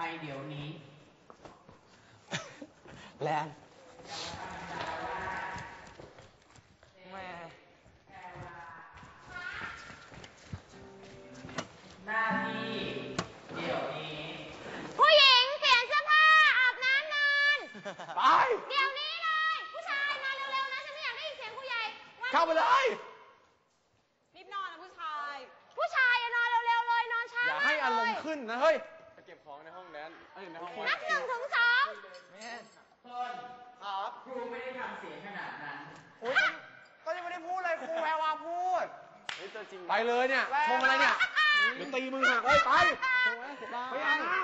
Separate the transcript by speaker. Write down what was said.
Speaker 1: เดี๋ยวนี้
Speaker 2: แลนแม่
Speaker 1: หน้าที่เดี๋ยวนี้
Speaker 3: ผู้หญิงเปลี่ยนเสื้อผ้าอาบน้ำนอน
Speaker 2: ไป
Speaker 3: เดี๋ยวนี้เลยผู้ชายมาเร็วๆนะฉันไม่อยากได้ยินเสียงผู้ใหญ่
Speaker 2: เข้าไปเลย
Speaker 3: รีบนอนนะผู้ชายอะนอนเร็วๆเลยนอนช้า
Speaker 2: อย่าให้อารมณ์ขึ้นนะเฮ้ยไปเก็บของในห้องแดนในห้อง
Speaker 3: นับ1 ถึง 2
Speaker 1: ต้นครับครูไม่ได้ทำเสียงขนาดนั้น
Speaker 2: ก็ยังไม่ได้พูดเลยครูแพรวาพูดไปเลยเนี่ยชงอะไรเนี่ยเดี๋ยวตีมือหักเลยไปไปอาบน้